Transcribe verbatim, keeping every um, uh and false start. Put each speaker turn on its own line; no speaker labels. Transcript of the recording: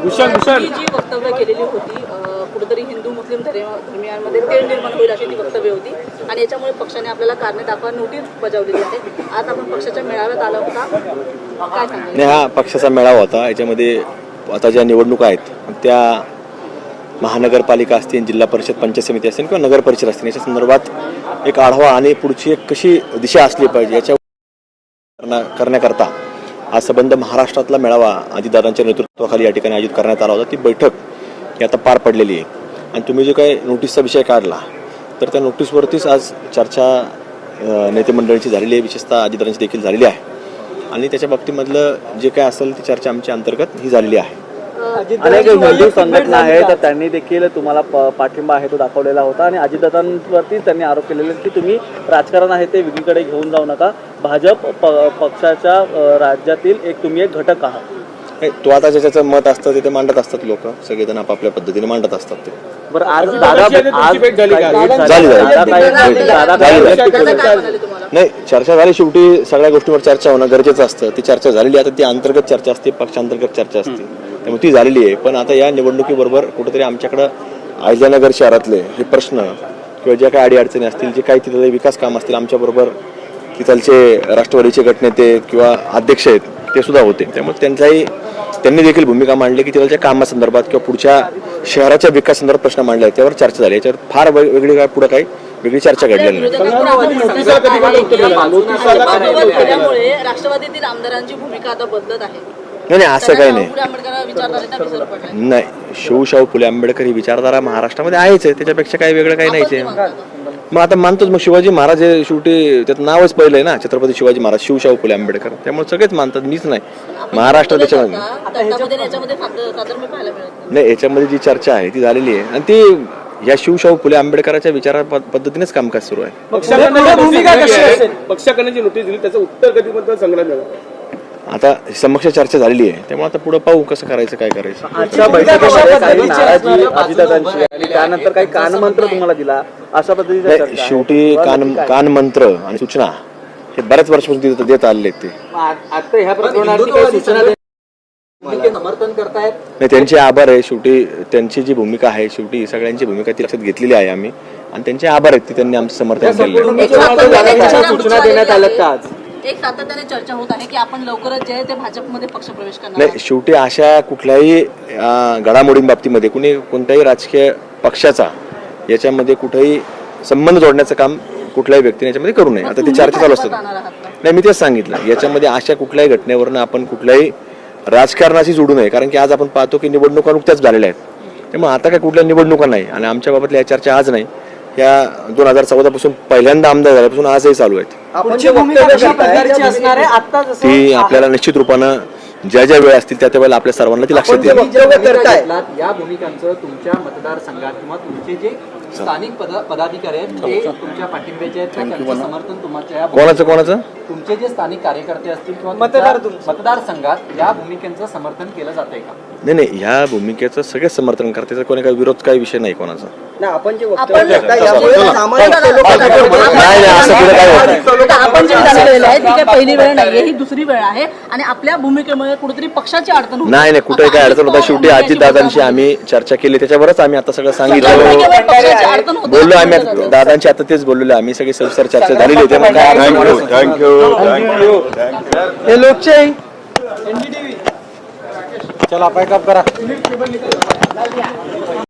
भूषण भूषण
जी वक्तव्य केलेली होती कुठेतरी हिंदू मुस्लिम धर्मियांमध्ये तेढ निर्माण होईल अशी ती वक्तव्य होती आणि याच्यामुळे पक्षाने आपल्याला कारणे दाखवा नोटीस बजावलेली आहे. आज आपण पक्षाच्या मेळाव्यात आला होता, काय सांगाल?
नाही, हा पक्षाचा मेळावा होता. याच्यामध्ये आता ज्या निवडणुका आहेत त्या महानगरपालिका असतील, जिल्हा परिषद, पंचायत समिती असतील किंवा नगर परिषद असतील, याच्या संदर्भात एक आढावा आणि पुढची एक कशी दिशा असली पाहिजे याच्या करण्याकरता आज संबंध महाराष्ट्रातला मेळावा अजितदादांच्या नेतृत्वाखाली या ठिकाणी आयोजित करण्यात आला होता. ती बैठक ही आता पार पडलेली आहे आणि तुम्ही जो काही नोटीसचा विषय काढला तर त्या नोटीसवरतीच आज चर्चा नेते मंडळीची झालेली आहे, विशेषतः अजितदादांची देखील झालेली आहे आणि त्याच्या बाबतीमधलं जे काय असेल ती चर्चा आमच्या अंतर्गत ही झालेली आहे.
अनेक हिंदू संघटना आहेत तर त्यांनी देखील तुम्हाला पाठिंबा आहे तो दाखवलेला होता आणि अजितदादांवरती त्यांनी आरोप केलेले की तुम्ही राजकारण आहे ते वेगळीकडे घेऊन जाऊ नका, भाजप पक्षाच्या राज्यातील एक तुम्ही एक घटक आहात.
तो आता ज्याचं मत असतं ते मांडत असतात, लोक सगळेजण आपापल्या पद्धतीने मांडत असतात. ते
बरं, आज दादा
नाही चर्चा झाली, शेवटी सगळ्या गोष्टींवर चर्चा होणं गरजेचं असतं. ती चर्चा झालेली आता ती अंतर्गत चर्चा असते, पक्षांतर्गत चर्चा असते, त्यामुळे ती झालेली आहे. पण आता या निवडणुकीबरोबर कुठेतरी आमच्याकडं अहिल्यानगर शहरातले हे प्रश्न किंवा ज्या काही अडीअडचणी असतील, जे काही तिथले विकास काम असतील, आमच्याबरोबर तिथलचे राष्ट्रवादीचे गटनेते किंवा अध्यक्ष आहेत ते सुद्धा होते. त्यामुळे त्यांचाही त्यांनी देखील भूमिका मांडली की तिथलच्या कामासंदर्भात किंवा पुढच्या शहराच्या विकास संदर्भात प्रश्न मांडले आहेत, त्यावर चर्चा झाली. याच्यावर फार वेगळी काय पुढे काही वेगळी चर्चा घडलेली नाही.
राष्ट्रवादीतील आमदारांची भूमिका आता बदलत आहे.
नाही असं काही नाही. नाही, शिवशाहू फुले आंबेडकर ही विचारधारा महाराष्ट्रामध्ये आहेच आहे, त्याच्यापेक्षा काही वेगळं काही नाहीच आहे. मग आता मानतोच, मग शिवाजी महाराज हे शेवटी त्याचं नावच पहिलं आहे ना, छत्रपती शिवाजी महाराज, शिवशाहू फुले आंबेडकर, त्यामुळे सगळेच मानतात, मीच नाही. महाराष्ट्र त्याच्यामध्ये नाही, याच्यामध्ये जी चर्चा आहे ती झालेली आहे आणि ती या शिवशाहू फुले आंबेडकरांच्या विचारा पद्धतीनेच कामकाज सुरू आहे.
पक्षाकडे जी नोटीस दिली त्याचं उत्तर कधीपर्यंत संग्रह झालं?
आता समक्ष चर्चा झालेली आहे, त्यामुळे आता पुढे पाहू कसं करायचं, काय करायचं.
आजच्या बैठकीमध्ये काही नाराजी अजितदादांची आणि त्यानंतर काही कानमंत्र तुम्हाला दिला अशा पद्धतीने
शेवटी कान कानमंत्र आणि सूचना हे बऱ्याच वर्षापासून देत आलेले आहेत. ते
आता ह्या प्रकरणाची सूचना समर्थन करतायत.
नाही, त्यांचे आभार आहे. शेवटी त्यांची जी भूमिका आहे, शेवटी सगळ्यांची भूमिका ती लक्षात घेतलेली आहे आम्ही आणि त्यांचे आभार आहेत की त्यांनी आमचं समर्थन केलेलं.
सूचना देण्यात आल्यात का आज?
एक सातत्याने चर्चा होत आहे की आपण लवकरच जे आहे ते भाजपमध्ये पक्ष प्रवेश करणार.
नाही, शेवटी अशा कुठल्याही घडामोडींबाबतीमध्ये कुणी कोणत्याही राजकीय पक्षाचा याच्यामध्ये कुठेही संबंध जोडण्याचं काम कुठल्याही व्यक्तीने याच्यामध्ये करू नये. आता ती चर्चा चालू असतात. नाही, मी तेच सांगितलं, याच्यामध्ये अशा कुठल्याही घटनेवरनं आपण कुठल्याही राजकारणाशी जोडू नये, कारण की आज आपण पाहतो की निवडणुका नुकत्याच झालेल्या आहेत. त्यामुळे आता काय कुठल्या निवडणुका नाही आणि आमच्या बाबतीतल्या या चर्चा आज नाही, या दोन हजार चौदा पासून पहिल्यांदा आमदार झाल्यापासून आजही चालू आहेत. ती आपल्याला निश्चित रूपानं ज्या ज्या वेळ असतील त्या त्या वेळेला आपल्या सर्वांना ती लक्षात येईल.
या भूमिकांचं तुमच्या मतदारसंघात किंवा तुमचे जे स्थानिक पदाधिकारी आहेत ते तुमच्या पाठिंब्याचे आहेत, त्यांचं समर्थन तुमच्या
कोणाचं कोणाचं
तुमचे जे स्थानिक कार्यकर्ते असतील किंवा मतदार मतदारसंघात या भूमिकेचं समर्थन केलं जातंय का?
नाही नाही, ह्या भूमिकेचं सगळेच समर्थन करते, कोणी काही विरोध काही विषय नाही कोणाचा.
आपण जे
आपण जे झालेलं आहे ती काही पहिली वेळ नाहीये, ही दुसरी वेळ आहे आणि आपल्या भूमिकेमुळे कुठेतरी पक्षाची अडचण होते.
नाही नाही, कुठे काय अडचण होता. शेवटी अजितदादांशी आम्ही चर्चा केली, त्याच्यावरच आम्ही आता सगळं सांगितलं, बोललो आम्ही दादांची, आता तेच बोललेलो आम्ही, सगळी सविस्तर चर्चा झालेली होती.
हे लोकशाही चला पाय काप करा.